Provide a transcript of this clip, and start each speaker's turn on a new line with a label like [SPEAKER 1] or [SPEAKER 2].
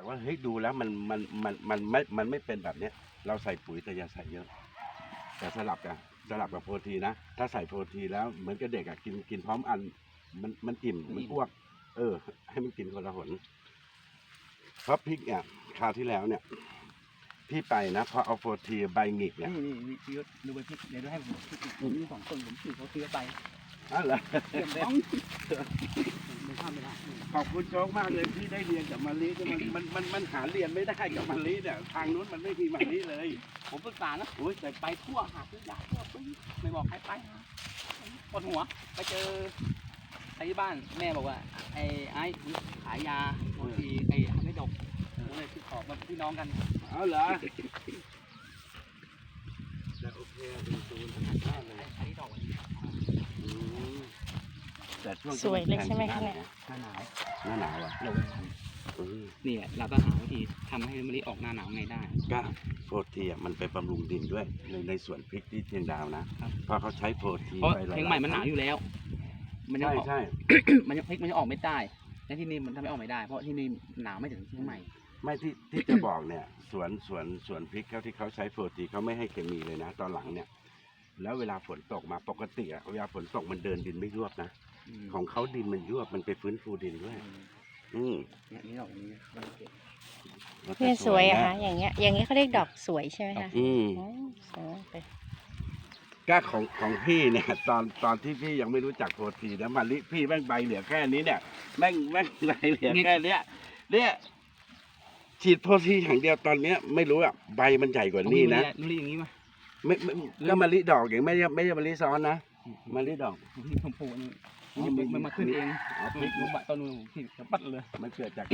[SPEAKER 1] ว่าเฮ้ยดูแล้วมันไม่เป็นแบบเนี้ยเราใส่ปุ๋ยแต่อย่าใส่เยอะแต่สลับกับโปรตีนนะถ้าใส่โปรตีนแล้วเหมือนกับเด็กอ่ะกินพร้อมอันมันอิ่มมันอ้วกให้มันกินคนละหนเพราะพริกเนี่ยคราวที่แล้วเนี่ยพี่ไปนะพอเอาโปรตีนใบหงิกเนี่ย
[SPEAKER 2] นี่พี่ยศดูใบพริกเดี๋ยวดูให้ผมมี2 ต้นผมถือเขาซื้อไป
[SPEAKER 1] อ๋อเหรอ
[SPEAKER 2] เก็บบ้องไม่ทำไม่ได้
[SPEAKER 1] ขอบคุณโจ๊กมากเลยที่ได้เรียนกับมาลีมันหาเรียนไม่ได้กับมาลีเนี่ยทางนู้นมันไม่มีมาลีเลย
[SPEAKER 2] ผมปรึกษานะแต่ไปทั่วหาซื้อยาทั่วไม่บอกใครไปนะปวดหัวไปเจอใครที่บ้านแม่บอกว่าไอ้ขายยาบางทีไม่ดกผมเลยติดต่อมาพี่น้องกัน
[SPEAKER 1] เอาเหรอแต่โอเคเป็นตูนธรรมชาติเลย
[SPEAKER 2] ไอ้ดอก
[SPEAKER 1] แต่ช่วง
[SPEAKER 3] สวยเลยใช่ไหมคะเนี่ย
[SPEAKER 2] หน้าหนาว
[SPEAKER 1] หน้าหนาวอ่ะ
[SPEAKER 2] เรานี่แหละเราก็หาวิธีทำให้มะลิออกหน้าหนาวไงได้
[SPEAKER 1] ก็โปรตีนอ่ะมันไปบำรุงดินด้วยในสวนพริกที่เชียงดาวนะเพราะเขาใช้โปรตีน
[SPEAKER 2] เพราะ
[SPEAKER 1] ไปหลาย
[SPEAKER 2] เพลงใหม่มันหนาวอยู่แล้ว มันจะออก
[SPEAKER 1] ใช่
[SPEAKER 2] มันจะพลิกมันจะออกไม่ได้และที่นี่มันทำให้ออกไม่ได้ เพราะที่นี่หนาวไม่ถึงเชียงใหม่
[SPEAKER 1] ไม่ที่จะบอกเนี่ยสวนพริกเขาที่เขาใช้โปรตีนเขาไม่ให้เคมีเลยนะ ตอนหลังเนี่ยแล้วเวลาฝนตกมาปกติอ่ะเวลาฝนตกมันเดินดินไม่ยวบนะของเขาดินมันยวบมันไปฟื้นฟูดินด้วย
[SPEAKER 2] เนี่ยนี่ดอกนี้มันเก็บ
[SPEAKER 3] เนี่ยสวยอะคะอย่างเงี้ยเขาเรียกดอกสวยใช่ไหมคะสวยไป
[SPEAKER 1] ก็ของพี่เนี่ยตอนที่พี่ยังไม่รู้จักโปรตีนนะมาลิพี่แม่งใบเหลือแค่นี้เนี่ยแม่งใบเหลือแค่เนี้ยเนี่ยฉีดโปรตีนอย่างเดียวตอนเนี้ยไม่รู้อ่ะใบมันใหญ่กว่านี้นะ
[SPEAKER 2] มะลิอย่างนี้มา
[SPEAKER 1] ไม่ก็มะลิดอกอย่างไม่ใช่มะลิซ้อนนะมะลิดอก
[SPEAKER 2] ที่ชมพูนี่มันมาขึ้นเอง
[SPEAKER 1] เอาพริก
[SPEAKER 2] ต้นนู้นที่จะปัดเลย
[SPEAKER 1] มันเกิดจาก